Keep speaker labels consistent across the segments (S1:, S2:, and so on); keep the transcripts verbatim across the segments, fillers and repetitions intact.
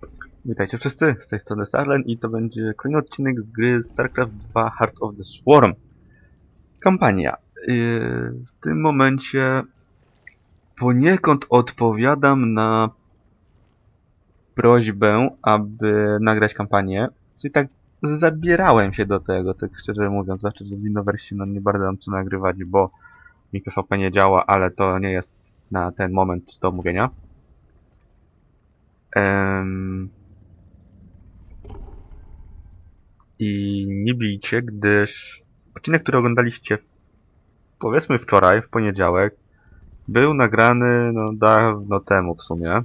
S1: Witajcie wszyscy, z tej strony Sarlen i to będzie kolejny odcinek z gry StarCraft dwa Heart of the Swarm. Kampania. Yy, w tym momencie poniekąd odpowiadam na prośbę, aby nagrać kampanię. Czyli tak zabierałem się do tego, tak szczerze mówiąc, zwłaszcza, że w Innoversie no nie bardzo mam co nagrywać, bo mi P V P nie działa, ale to nie jest na ten moment do omówienia. Ehm... I nie bijcie, gdyż odcinek, który oglądaliście powiedzmy wczoraj, w poniedziałek, był nagrany no dawno temu w sumie.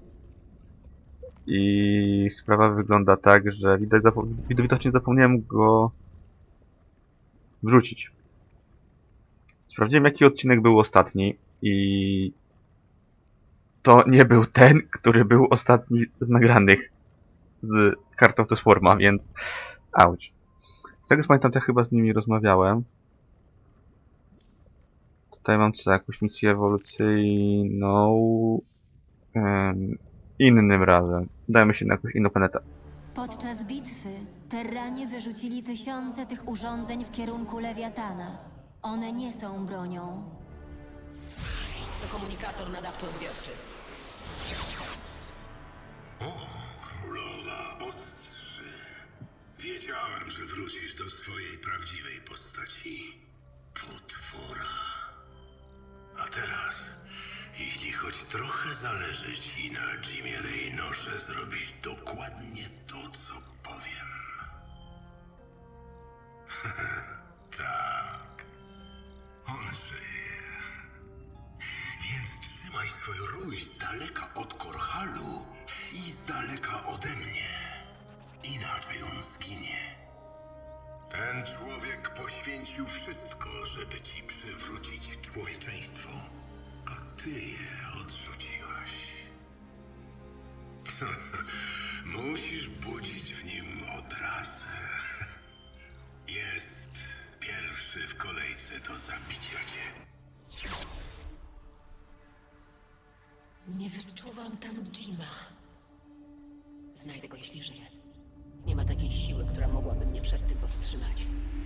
S1: I sprawa wygląda tak, że widać zapo widocznie zapomniałem go wrzucić. Sprawdziłem, jaki odcinek był ostatni i to nie był ten, który był ostatni z nagranych z Heart of the Swarma, więc auć. Z tego co pamiętam, to ja chyba z nimi rozmawiałem. Tutaj mam co, jakąś misję ewolucyjną. Um, innym razem. Dajmy się na jakąś inną planetę.
S2: Podczas bitwy Terranie wyrzucili tysiące tych urządzeń w kierunku Lewiatana. One nie są bronią.
S3: To komunikator nadawczo-odbiorczy.
S4: O, królowa ostrzy. Wiedziałem, że wrócisz do swojej prawdziwej postaci. Potwora. A teraz, jeśli choć trochę zależy ci na Jimie Raynorze, zrobisz dokładnie to, co powiem. Tak. On żyje. Więc trzymaj swój rój z daleka od Korhalu i z daleka ode mnie. Inaczej on zginie. Ten człowiek poświęcił wszystko, żeby ci przywrócić człowieczeństwo, a ty je odrzuciłaś. Musisz budzić w nim odrazę. Jest pierwszy w kolejce do zabicia cię.
S3: Nie wyczuwam tam Jima. Znajdę go, jeśli żyje. Nie ma takiej siły, która mogłaby mnie przed tym powstrzymać.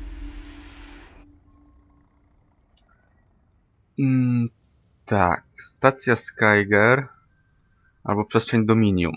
S1: Mm, tak, stacja Skyger albo przestrzeń Dominium.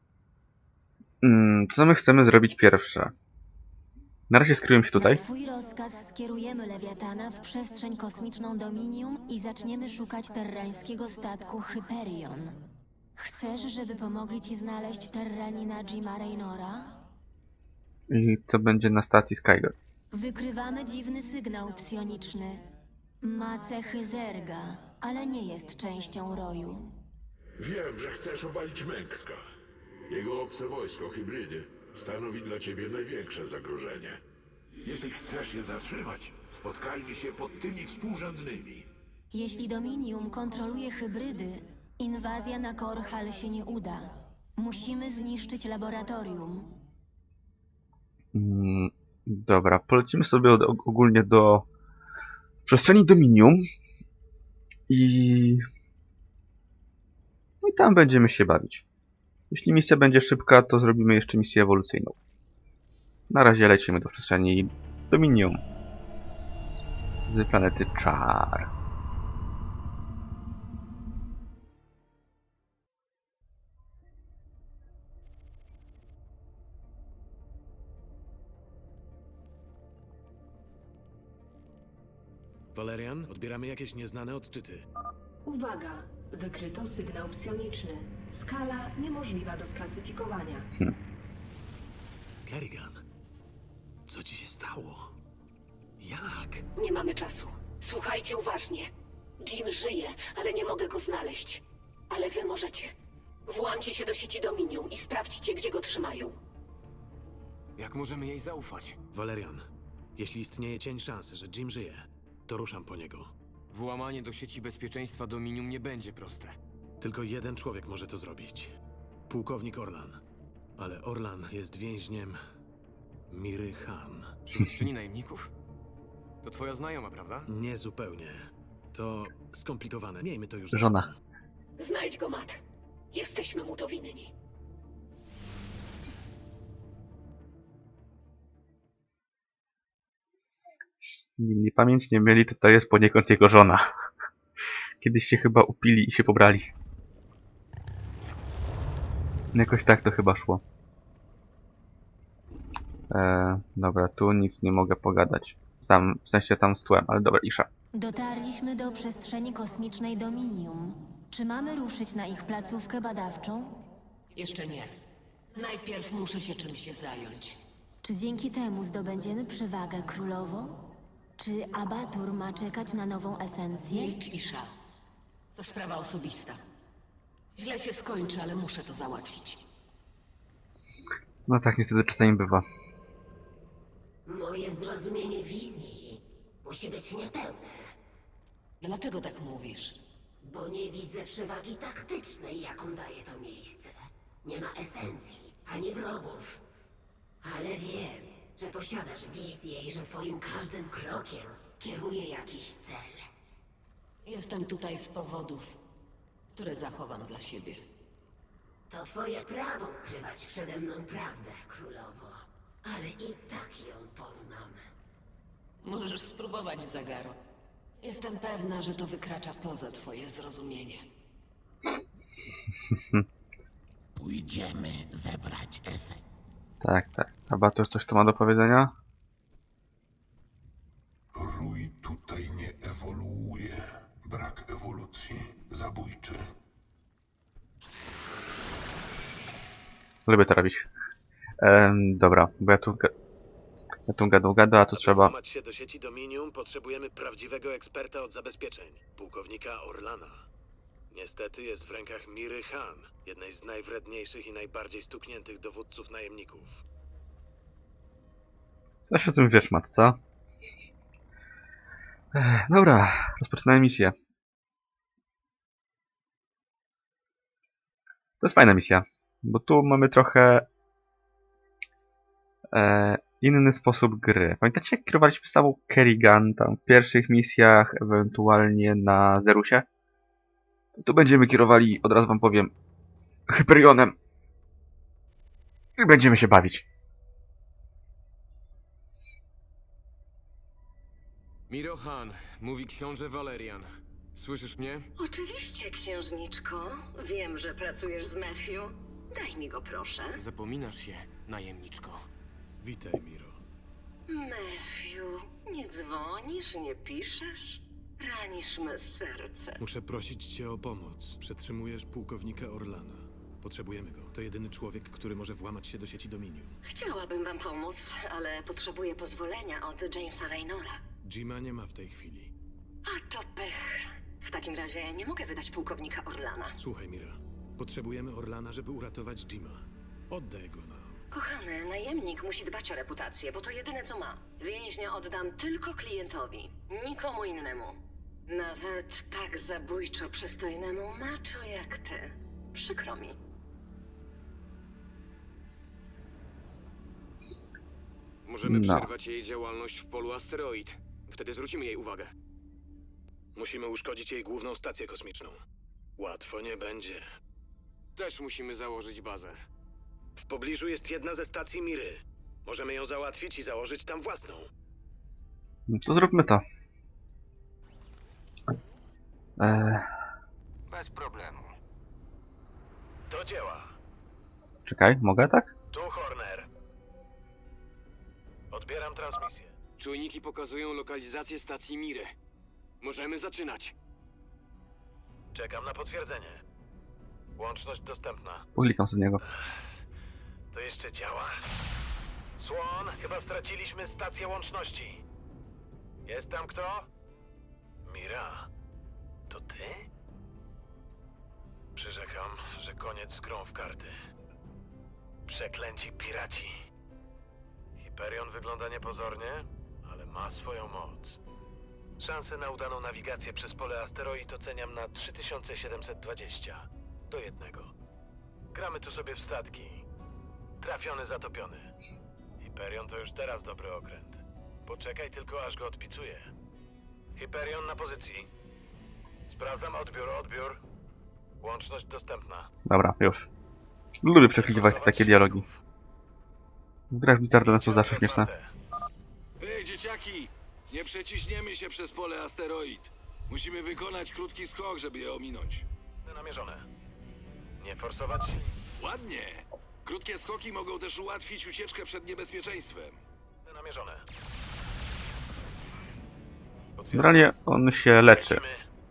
S1: Mm, co my chcemy zrobić pierwsze? Na razie skryłem się tutaj.
S2: Na twój rozkaz skierujemy Lewiatana w przestrzeń kosmiczną Dominium i zaczniemy szukać terrańskiego statku Hyperion. Chcesz, żeby pomogli ci znaleźć terranina Jima Raynora?
S1: I co będzie na stacji Skyger?
S2: Wykrywamy dziwny sygnał psioniczny. Ma cechy zerga, ale nie jest częścią roju.
S5: Wiem, że chcesz obalić Mengska. Jego obce wojsko, hybrydy, stanowi dla ciebie największe zagrożenie. Jeśli chcesz je zatrzymać, spotkajmy się pod tymi współrzędnymi.
S2: Jeśli Dominium kontroluje hybrydy, inwazja na Korhal się nie uda. Musimy zniszczyć laboratorium.
S1: Mm, dobra, polecimy sobie od, ogólnie do przestrzeni Dominium i... No i tam będziemy się bawić. Jeśli misja będzie szybka, to zrobimy jeszcze misję ewolucyjną. Na razie lecimy do przestrzeni Dominium z planety Char.
S6: Valerian, odbieramy jakieś nieznane odczyty.
S7: Uwaga! Wykryto sygnał psioniczny. Skala niemożliwa do sklasyfikowania.
S6: Kerrigan, co ci się stało? Jak?
S3: Nie mamy czasu. Słuchajcie uważnie. Jim żyje, ale nie mogę go znaleźć. Ale wy możecie. Włamcie się do sieci Dominium i sprawdźcie, gdzie go trzymają.
S8: Jak możemy jej zaufać?
S6: Valerian, jeśli istnieje cień szansy, że Jim żyje, to ruszam po niego.
S8: Włamanie do sieci bezpieczeństwa Dominium nie będzie proste.
S6: Tylko jeden człowiek może to zrobić. Pułkownik Orlan. Ale Orlan jest więźniem Miry Han.
S8: Przywódczyni najemników? To twoja znajoma, prawda?
S6: Nie zupełnie. To skomplikowane. Miejmy to już za
S1: Żona.
S6: sobą.
S3: Znajdź go, Matt. Jesteśmy mu to winni.
S1: Nie pamięć nie mieli, to to jest poniekąd jego żona. Kiedyś się chyba upili i się pobrali. Jakoś tak to chyba szło. Eee, dobra, tu nic nie mogę pogadać. Sam, w sensie tam z tłem, ale dobra, Isza.
S2: Dotarliśmy do przestrzeni kosmicznej Dominium. Czy mamy ruszyć na ich placówkę badawczą?
S3: Jeszcze nie. Najpierw muszę się czymś zająć.
S2: Czy dzięki temu zdobędziemy przewagę królową? Czy Abatur ma czekać na nową esencję?
S3: Milcz, Isza. To sprawa osobista. Źle się skończy, ale muszę to załatwić.
S1: No tak niestety czasami bywa.
S3: Moje zrozumienie wizji musi być niepełne. Dlaczego tak mówisz? Bo nie widzę przewagi taktycznej, jaką daje to miejsce. Nie ma esencji, ani wrogów. Ale wiem, że posiadasz wizję i że twoim każdym krokiem kieruje jakiś cel. Jestem tutaj z powodów, które zachowam dla siebie. To twoje prawo ukrywać przede mną prawdę, królowo. Ale i tak ją poznam. Możesz spróbować, Zagaro. Jestem pewna, że to wykracza poza twoje zrozumienie.
S4: Pójdziemy zebrać esek.
S1: Tak, tak. Abatur coś tu ma do powiedzenia?
S5: Rój tutaj nie ewoluuje. Brak ewolucji. Zabójczy.
S1: Lubię to robić. Ehm, dobra, bo ja tu, ga- ja tu gadał gada, a tu
S6: Aby
S1: trzeba...
S6: włamać się do sieci Dominium, potrzebujemy prawdziwego eksperta od zabezpieczeń, pułkownika Orlana. Niestety jest w rękach Miry Han, jednej z najwredniejszych i najbardziej stukniętych dowódców najemników.
S1: Coś o tym wiesz, Mat, co? Ech, dobra, rozpoczynamy misję. To jest fajna misja, bo tu mamy trochę e, inny sposób gry. Pamiętacie, jak kierowaliśmy stawą Kerrigan tam w pierwszych misjach, ewentualnie na Zerusie? Tu będziemy kierowali, od razu wam powiem, Hyperionem. I będziemy się bawić.
S8: Miro Han, mówi książę Valerian. Słyszysz mnie?
S9: Oczywiście, księżniczko. Wiem, że pracujesz z Matthew. Daj mi go, proszę.
S8: Zapominasz się, najemniczko.
S6: Witaj, Miro.
S9: Matthew, nie dzwonisz, nie piszesz? Ranisz me serce.
S6: Muszę prosić cię o pomoc. Przetrzymujesz pułkownika Orlana. Potrzebujemy go. To jedyny człowiek, który może włamać się do sieci Dominium.
S9: Chciałabym wam pomóc, ale potrzebuję pozwolenia od Jamesa Raynora.
S6: Jima nie ma w tej chwili.
S9: A to pech. W takim razie nie mogę wydać pułkownika Orlana.
S6: Słuchaj, Mira. Potrzebujemy Orlana, żeby uratować Jima. Oddaj go nam.
S9: Kochany, najemnik musi dbać o reputację, bo to jedyne co ma. Więźnia oddam tylko klientowi, nikomu innemu. Nawet tak zabójczo przystojnemu macho jak ty. Przykro mi.
S8: Możemy
S1: No.
S8: przerwać jej działalność w polu asteroid. Wtedy zwrócimy jej uwagę.
S6: Musimy uszkodzić jej główną stację kosmiczną. Łatwo nie będzie.
S8: Też musimy założyć bazę.
S6: W pobliżu jest jedna ze stacji Miry. Możemy ją załatwić i założyć tam własną.
S1: No to zróbmy to. Eee,
S8: Bez problemu.
S6: Do dzieła.
S1: czekaj, mogę tak?
S6: Tu Horner. Odbieram transmisję.
S8: Czujniki pokazują lokalizację stacji Miry. Możemy zaczynać.
S6: Czekam na potwierdzenie. Łączność dostępna.
S1: Poklikam sobie niego.
S6: To jeszcze działa. Słon, chyba straciliśmy stację łączności. Jest tam kto? Mira, to ty? Przyrzekam, że koniec z grą w karty. Przeklęci piraci. Hyperion wygląda niepozornie, ale ma swoją moc. Szanse na udaną nawigację przez pole asteroid oceniam na trzy tysiące siedemset dwadzieścia do jednego. Gramy tu sobie w statki. Trafiony, zatopiony. Hyperion to już teraz dobry okręt. Poczekaj tylko, aż go odpicuję. Hyperion na pozycji. Sprawdzam odbiór, odbiór. Łączność dostępna.
S1: Dobra, już. Lubię przeklikiwać takie dialogi. W grach Blizzardowe są zawsze śmieszne.
S8: Ej, dzieciaki!
S5: Nie przeciśniemy się przez pole asteroid. Musimy wykonać krótki skok, żeby je ominąć.
S6: Namierzone. Nie forsować.
S5: Ładnie. Krótkie skoki mogą też ułatwić ucieczkę przed niebezpieczeństwem.
S6: Namierzone.
S1: Generalnie on się leczy.
S6: Lecimy.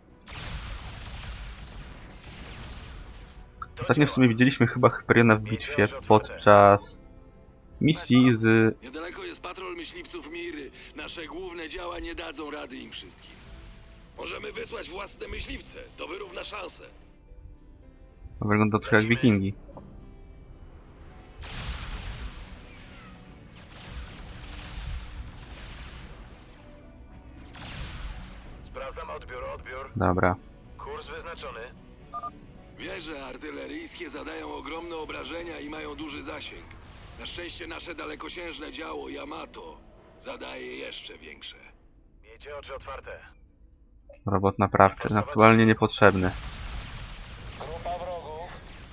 S6: Do
S1: Ostatnio w
S6: dzieła.
S1: sumie widzieliśmy chyba Hyperiona w bitwie podczas misji z...
S5: Niedaleko jest patrol myśliwców Miry. Nasze główne działa nie dadzą rady im wszystkim. Możemy wysłać własne myśliwce. To wyrówna szanse.
S1: Wygląda trochę jak wikingi.
S6: Sprawdzam odbiór, odbiór.
S1: Dobra.
S6: Kurs wyznaczony.
S5: Wieże artyleryjskie zadają ogromne obrażenia i mają duży zasięg. Na szczęście nasze dalekosiężne działo Yamato zadaje jeszcze większe.
S6: Miejcie oczy otwarte.
S1: Robot naprawczy. Aktualnie niepotrzebny.
S6: Grupa wrogów.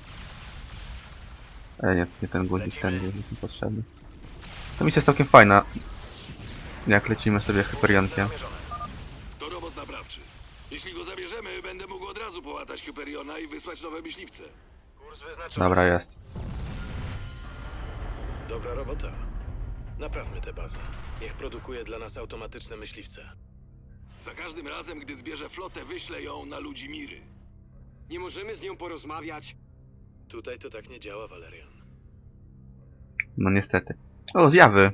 S1: E, nie, to nie ten guzik, ten guzik niepotrzebny. Ta misja jest całkiem fajna. Jak lecimy sobie Hyperionkiem.
S6: Namierzone.
S5: To robot naprawczy. Jeśli go zabierzemy, będę mógł od razu połatać Hyperiona i wysłać nowe myśliwce.
S6: Kurs wyznaczony.
S1: Dobra, jest.
S6: Dobra robota. Naprawmy tę bazę. Niech produkuje dla nas automatyczne myśliwce.
S5: Za każdym razem, gdy zbierze flotę, wyślę ją na ludzi Miry.
S8: Nie możemy z nią porozmawiać?
S6: Tutaj to tak nie działa, Valerian.
S1: No niestety. O, zjawy.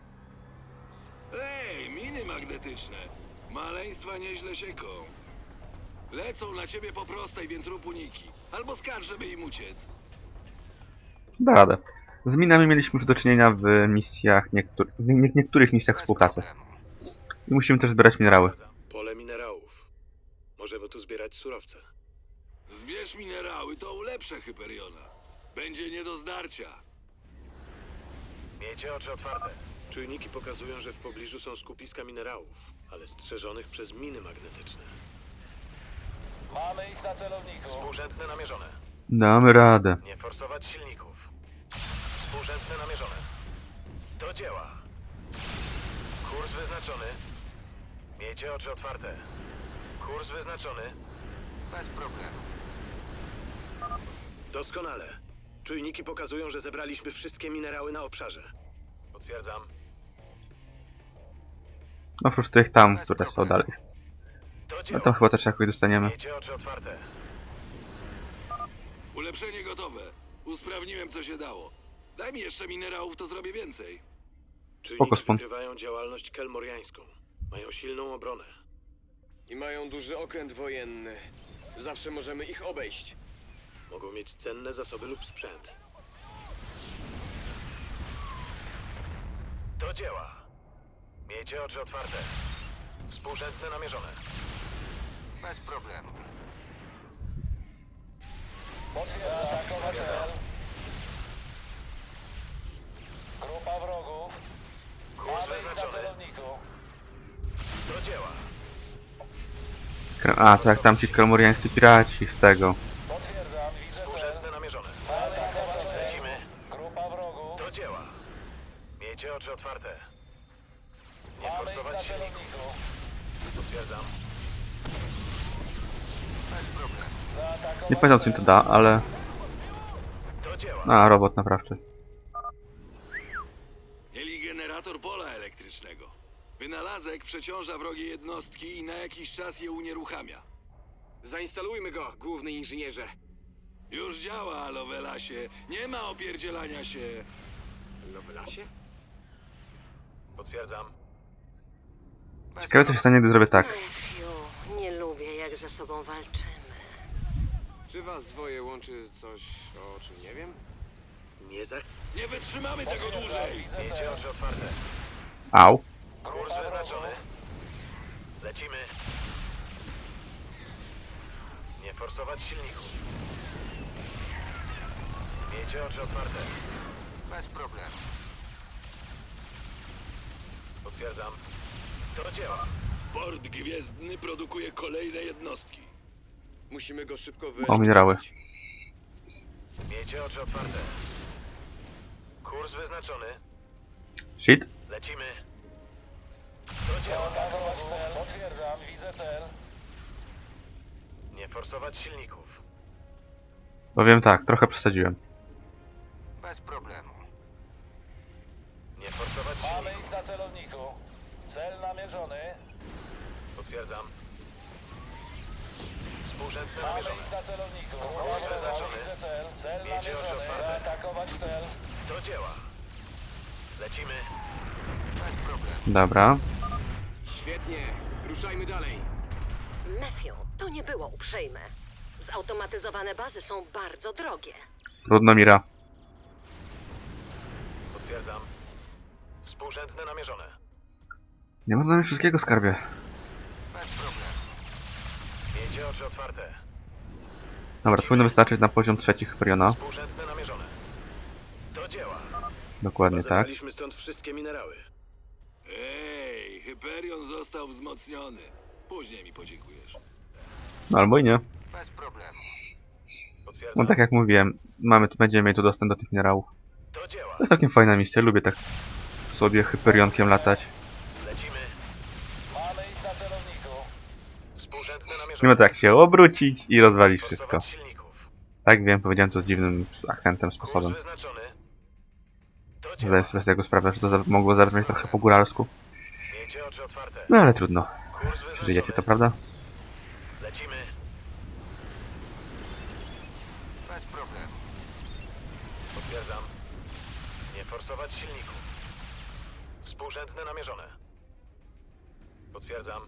S5: Ej, miny magnetyczne. Maleństwa nieźle sieką. Lecą na ciebie po prostej, więc rób uniki. Albo skacz, żeby im uciec.
S1: Da radę. Z minami mieliśmy już do czynienia w misjach, niektór w nie niektórych misjach współpracy. I musimy też zbierać minerały.
S6: Pole minerałów. Możemy tu zbierać surowce.
S5: Zbierz minerały, to ulepszę Hyperiona. Będzie nie do zdarcia.
S6: Miejcie oczy otwarte. Czujniki pokazują, że w pobliżu są skupiska minerałów, ale strzeżonych przez miny magnetyczne.
S10: Mamy ich na celowniku.
S6: Współrzędne namierzone.
S1: Damy radę.
S6: Nie forsować silników. Współrzędne namierzone. Do dzieła. Kurs wyznaczony. Miejcie oczy otwarte. Kurs wyznaczony.
S8: Bez problemu.
S6: Doskonale. Czujniki pokazują, że zebraliśmy wszystkie minerały na obszarze. Potwierdzam.
S1: Oprócz tych tam, które są dalej.
S6: Do
S1: No
S6: dzieła.
S1: tam chyba też jakoś dostaniemy.
S6: Miejcie oczy otwarte.
S5: Ulepszenie gotowe. Usprawniłem, co się dało. Daj mi jeszcze minerałów, to zrobię więcej.
S1: Spoko,
S6: Czujniki
S1: spon.
S6: wykrywają działalność kelmoriańską. Mają silną obronę.
S8: I mają duży okręt wojenny. Zawsze możemy ich obejść.
S6: Mogą mieć cenne zasoby lub sprzęt. Do dzieła. Miejcie oczy otwarte. Współrzędne namierzone.
S8: Bez problemu.
S10: Zaatakować cel. Grupa wrogów.
S6: Kurs
S10: Mamy ich na
S6: wyznaczony.
S10: celowniku.
S6: Do dzieła.
S1: Kre- A, to jak tam ci kelmoriańscy piraci z tego.
S10: Potwierdzam, widzę cel.
S6: Współrzędne namierzone.
S10: Zaatakować cel.
S6: Lecimy.
S10: Grupa wrogów.
S6: Do dzieła. Miejcie oczy otwarte. Nie
S10: Mamy ich na
S6: forsować silników.
S10: celowniku.
S6: Potwierdzam.
S8: Bez problemu.
S10: Zaatakować
S1: Nie pamiętam co mi to da, ale...
S6: Do dzieła.
S1: A, robot naprawczy.
S5: Mieli generator pola elektrycznego. Wynalazek przeciąża wrogie jednostki i na jakiś czas je unieruchamia.
S8: Zainstalujmy go, główny inżynierze.
S5: Już działa, Lovelasie. Nie ma opierdzielania się.
S8: Lovelasie?
S6: Potwierdzam.
S1: Ciekawe co się stanie, gdy zrobię tak.
S9: Matthew, nie lubię, jak ze sobą walczymy.
S8: Czy was dwoje łączy coś, o czym nie wiem?
S6: Nie za...
S5: Nie wytrzymamy tego dłużej.
S6: Miejcie oczy otwarte.
S1: Au.
S6: Kurs wyznaczony. Lecimy. Nie forsować silników. Miejcie oczy otwarte.
S8: Bez problemu.
S6: Potwierdzam. Do dzieła.
S5: Port Gwiezdny produkuje kolejne jednostki.
S8: Musimy go szybko
S1: O,
S8: wyeliminować.
S1: minerały.
S6: Miejcie oczy otwarte. Kurs wyznaczony.
S1: Shit.
S6: Lecimy. Do działa.
S10: Zaatakować cel. Potwierdzam, widzę cel.
S6: Nie forsować silników.
S1: Powiem tak, trochę przesadziłem.
S8: Bez problemu.
S6: Nie forsować
S10: Mamy
S6: silników.
S10: ich na celowniku. Cel namierzony.
S6: Potwierdzam. Współrzędne
S10: Mamy
S6: namierzone.
S10: ich na celowniku.
S6: Kurs wyznaczony.
S10: Widzę cel. Cel
S6: Miejcie oczy
S10: namierzony.
S6: otwarte.
S10: Zaatakować cel.
S6: Do dzieła. Lecimy.
S8: Bez problemu.
S1: Dobra.
S8: Świetnie. Ruszajmy dalej.
S9: Matthew, to nie było uprzejme. Zautomatyzowane bazy są bardzo drogie.
S1: Trudno, Mira.
S6: Potwierdzam. Współrzędne namierzone.
S1: Nie można mieć wszystkiego, skarbie.
S8: Bez problemu.
S6: Miejcie oczy otwarte.
S1: Dobra, to powinno wystarczyć na poziom trzeci Hyperiona.
S6: Współrzędne namierzone. Do dzieła.
S1: Dokładnie tak.
S6: Zabraliśmy stąd wszystkie minerały.
S5: Ej, Hyperion został wzmocniony. Później mi podziękujesz.
S1: No albo i nie.
S8: Bez problemu.
S6: Potwierdzam.
S1: No tak jak mówiłem, mamy tu, będziemy mieli tu dostęp do tych minerałów.
S6: Do dzieła.
S1: To jest całkiem fajna misja, lubię tak sobie Hyperionkiem latać.
S6: Lecimy.
S10: Mamy ich na celowniku.
S6: Współrzędne
S1: Nie
S6: namierzone.
S1: ma to jak się obrócić i rozwalić wszystko.
S6: Forsować silników.
S1: Tak wiem, powiedziałem to z dziwnym akcentem, sposobem.
S6: Kurs wyznaczony. Do dzieła.
S1: Zdaję sobie z tego sprawę, że to za mogło zabrzmieć trochę po góralsku.
S6: Miejcie oczy otwarte.
S1: No ale trudno.
S6: Kurs wyznaczony.
S1: Przeżyjecie to, prawda?
S6: Lecimy.
S8: Bez problemu.
S6: Potwierdzam. Nie forsować silników. Współrzędne namierzone. Potwierdzam.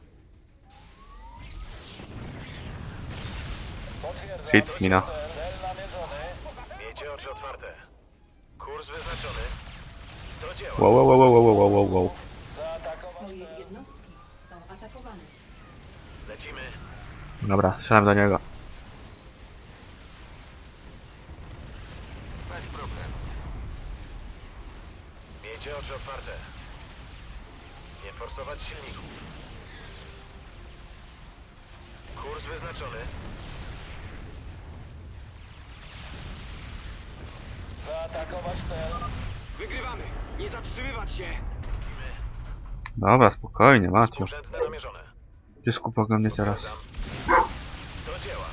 S10: Potwierdzam.
S1: Shit, mina.
S10: Cel namierzony.
S6: Miejcie oczy otwarte. Kurs wyznaczony. Do dzieła.
S1: Wow, wow, wow, wow, wow, wow, wow.
S10: Zaatakować
S7: Twoje
S10: cel.
S7: jednostki są atakowane.
S6: Lecimy.
S1: Dobra, strzelam do niego.
S8: Bez problemu.
S6: Miejcie oczy otwarte. Nie forsować silników. Kurs wyznaczony.
S10: Zaatakować cel.
S8: Wygrywamy. Nie zatrzymywać się.
S6: Lecimy.
S1: Dobra, spokojnie, Maciu.
S6: Współrzędne namierzone.
S1: Piesku poglądnie teraz.
S6: Potwierdzam. Do dzieła.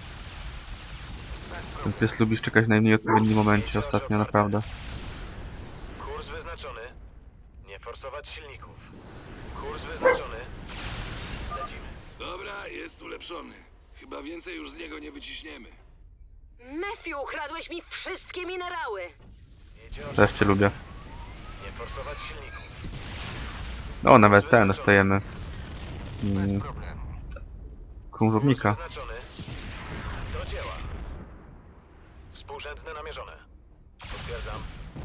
S1: Ten pies lubi czekać w najmniej odpowiednim momencie ostatnio, naprawdę.
S6: Kurs wyznaczony. Nie forsować silników. Kurs wyznaczony. Lecimy.
S5: Dobra, jest ulepszony. Chyba więcej już z niego nie wyciśniemy.
S9: Matthew, ukradłeś mi wszystkie minerały.
S6: Miejcie oczy.
S1: Też cię lubię.
S6: Nie forsować silników.
S1: O, nawet ten dostajemy.
S8: Bez
S1: Mm,
S8: problemu.
S1: krążownika.
S6: Kurs wyznaczony. Do dzieła. Współrzędne namierzone. Potwierdzam.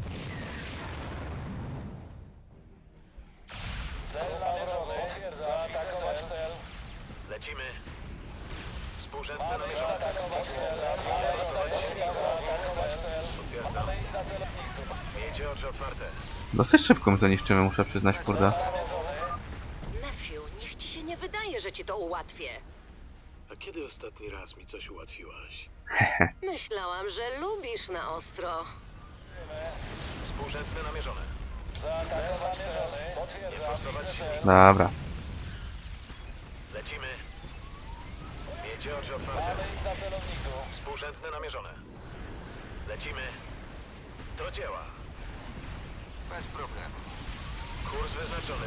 S10: Cel namierzony. Zaatakować cel.
S6: Lecimy. Współrzędne
S10: Mamy
S6: namierzone.
S10: zaatakować cel.
S6: Forsować silników.
S10: Zaatakować cel.
S6: Potwierdzam.
S10: Mamy ich na celowniku.
S6: Miejcie oczy otwarte.
S1: Dosyć szybko my to niszczymy, muszę przyznać, kurde.
S9: Matthew, niech ci się nie wydaje, że ci to ułatwię.
S6: A kiedy ostatni raz mi coś ułatwiłaś?
S9: Myślałam, że lubisz na ostro.
S6: Współrzędne namierzone.
S10: Zaatakować cel.
S6: Nie
S10: Potwierdzam.
S6: forsować
S10: Widzę
S6: silników.
S10: cel.
S1: Dobra.
S6: Lecimy. Miejcie oczy otwarte.
S10: Mamy ich na celowniku.
S6: Współrzędne namierzone. Lecimy. Do dzieła.
S8: Bez problemu.
S6: Kurs wyznaczony.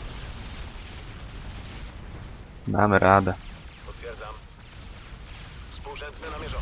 S1: Damy radę.
S6: Potwierdzam. Współrzędne namierzone.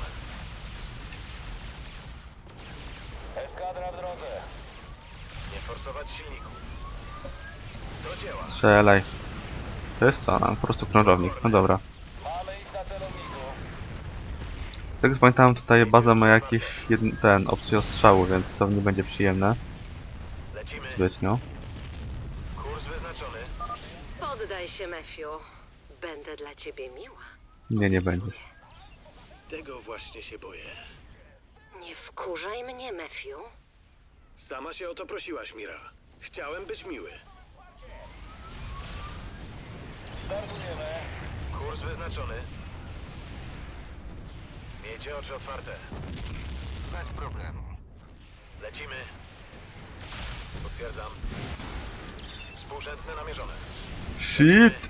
S10: Eskadra w drodze.
S6: Nie forsować silników. Do dzieła.
S1: Strzelaj. To jest co? No, po prostu krążownik. No dobra.
S7: Mamy ich na celowniku.
S1: Z tego co pamiętam, tutaj baza ma jakieś jedn, ten opcję ostrzału, więc to nie będzie przyjemne.
S6: Lecimy.
S1: Zbytnio.
S6: Kurs wyznaczony.
S9: Poddaj się, Matthew. Będę dla ciebie miła.
S1: Nie, nie będziesz.
S6: Tego właśnie się boję.
S9: Nie wkurzaj mnie, Matthew.
S6: Sama się o to prosiłaś, Mira. Chciałem być miły.
S7: Startujemy.
S6: Kurs wyznaczony. Miejcie oczy otwarte.
S8: Bez problemu.
S6: Lecimy. Potwierdzam. Współrzędne namierzone.
S1: Shit!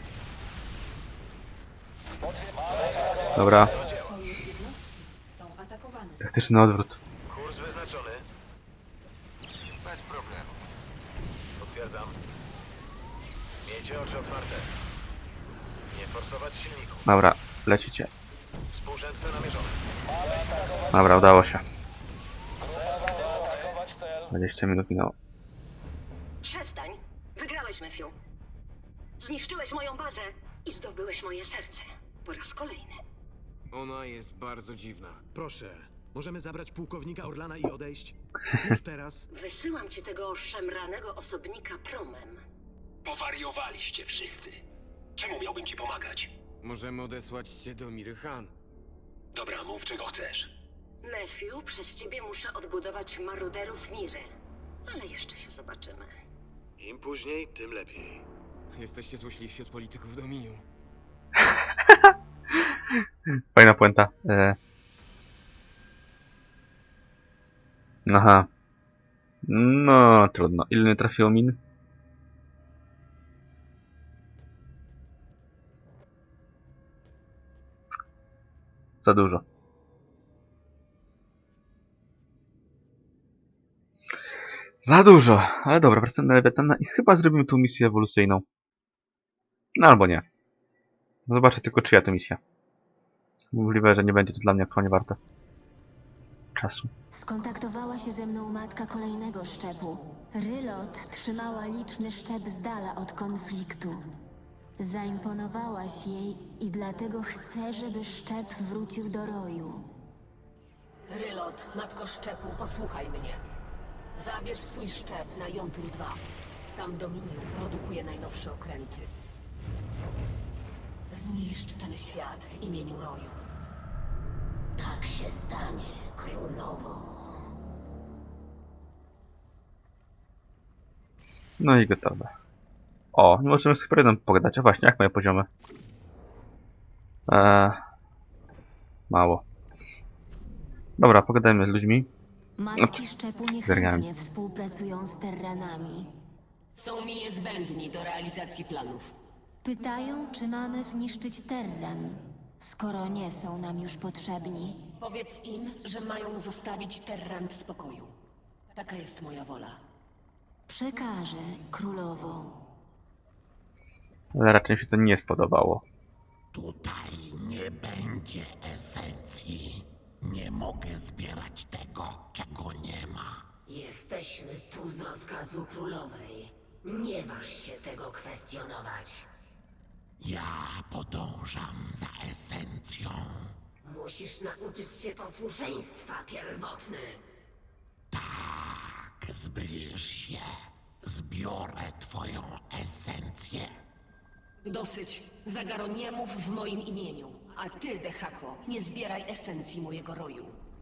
S1: Dobra,
S7: Twoje jednostki są atakowane.
S1: taktyczny odwrót.
S6: Kurs wyznaczony. Bez problemu. Potwierdzam. Miejcie oczy otwarte. Nie forsować silników.
S1: Dobra, lecicie.
S6: Współrzędne namierzone.
S1: Dobra, udało się.
S10: Zaatakować cel.
S1: dwadzieścia minut minęło.
S9: Przestań. Wygrałeś, Matthew. Zniszczyłeś moją bazę i zdobyłeś moje serce. Po raz kolejny.
S8: Ona jest bardzo dziwna.
S11: Proszę, możemy zabrać pułkownika Orlana i odejść? Już teraz?
S9: Wysyłam ci tego szemranego osobnika promem.
S4: Powariowaliście wszyscy. Czemu miałbym ci pomagać?
S8: Możemy odesłać cię do Miry Han.
S4: Dobra, mów czego chcesz.
S9: Matthew, przez ciebie muszę odbudować maruderów Miry. Ale jeszcze się zobaczymy.
S6: Im później, tym lepiej.
S8: Jesteście złośliwsi od polityków Dominium.
S1: Fajna puenta. E... Aha. No, trudno. Ile nie trafiło min? Za dużo. Za dużo. Ale dobra, wracamy na Lewiatana i chyba zrobimy tu misję ewolucyjną. No albo nie. Zobaczę tylko, czyja to misja. Możliwe, że nie będzie to dla mnie aktualnie warte czasu.
S2: Skontaktowała się ze mną matka kolejnego szczepu. Rylot trzymała liczny szczep z dala od konfliktu. Zaimponowałaś jej i dlatego chcę, żeby szczep wrócił do roju.
S3: Rylot, matko szczepu, posłuchaj mnie. Zabierz swój szczep na Jontul dwa. Tam Dominium produkuje najnowsze okręty. Zniszcz ten świat w imieniu roju. Tak się stanie, królowo.
S1: No i gotowe. O, nie możemy z Hyperionem pogadać. A właśnie, jak moje poziomy? Eee, mało. Dobra, pogadajmy z ludźmi.
S2: Matki szczepu
S1: Zerkałem.
S2: niechętnie współpracują z terranami.
S3: Są mi niezbędni do realizacji planów.
S2: Pytają, czy mamy zniszczyć terran, skoro nie są nam już potrzebni.
S3: Powiedz im, że mają zostawić Terran w spokoju. Taka jest moja wola.
S2: Przekażę, królowo.
S1: Ale raczej mi się to nie spodobało.
S4: Tutaj nie będzie esencji. Nie mogę zbierać tego, czego nie ma.
S3: Jesteśmy tu z rozkazu królowej. Nie waż się tego kwestionować.
S4: Ja podążam za esencją.
S3: Musisz nauczyć się posłuszeństwa, pierwotny.
S4: Tak, zbliż się. Zbiorę twoją esencję.
S3: Dosyć. Zagaro, nie mów w moim imieniu. A ty, Dehako, nie zbieraj esencji mojego roju.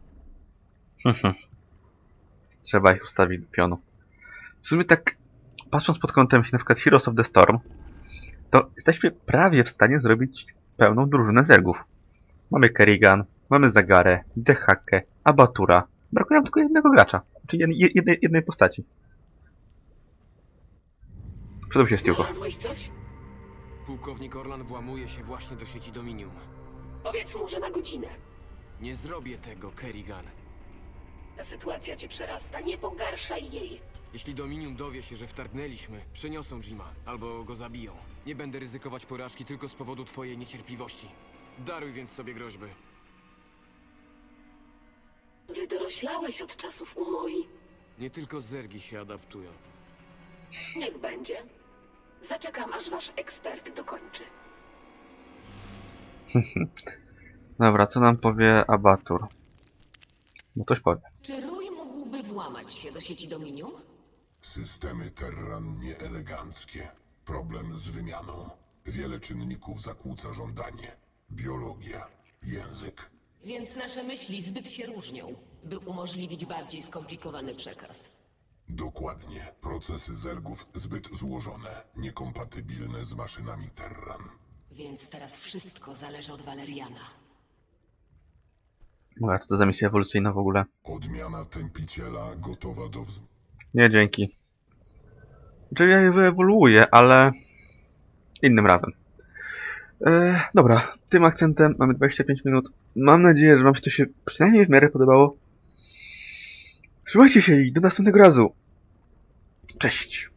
S1: Trzeba ich ustawić do pionu. W sumie tak, patrząc pod kątem na przykład Heroes of the Storm, to jesteśmy prawie w stanie zrobić pełną drużynę zergów. Mamy Kerrigan, mamy Zagarę, Dehakę, Abatura. Brakuje nam tylko jednego gracza, czyli jed jednej, jednej postaci. Przydał się Stiuko.
S3: Znalazłeś coś?
S8: Pułkownik Orlan włamuje się właśnie do sieci Dominium.
S3: Powiedz mu, że na godzinę.
S8: Nie zrobię tego, Kerrigan.
S3: Ta sytuacja cię przerasta. Nie pogarszaj jej.
S8: Jeśli Dominium dowie się, że wtargnęliśmy, przeniosą Jima albo go zabiją. Nie będę ryzykować porażki tylko z powodu twojej niecierpliwości. Daruj więc sobie groźby.
S3: Wydoroślałeś od czasów Umoi.
S8: Nie tylko zergi się adaptują.
S3: Niech będzie. Zaczekam, aż wasz ekspert dokończy.
S1: Dobra, co nam powie Abatur? No coś powie.
S3: Czy rój mógłby włamać się do sieci Dominium?
S5: Systemy Terran nieeleganckie. Problem z wymianą. Wiele czynników zakłóca żądanie. Biologia, język.
S3: Więc nasze myśli zbyt się różnią, by umożliwić bardziej skomplikowany przekaz.
S5: Dokładnie. Procesy zergów zbyt złożone, niekompatybilne z maszynami Terran.
S3: Więc teraz wszystko zależy od Valeriana.
S1: Dobra, co to za misja ewolucyjna w ogóle?
S5: Odmiana tępiciela gotowa do wz...
S1: Nie, dzięki. Znaczy ja je wyewoluuję, ale... innym razem. E, dobra, tym akcentem mamy dwadzieścia pięć minut. Mam nadzieję, że wam się to się przynajmniej w miarę podobało. Trzymajcie się i do następnego razu. Cześć!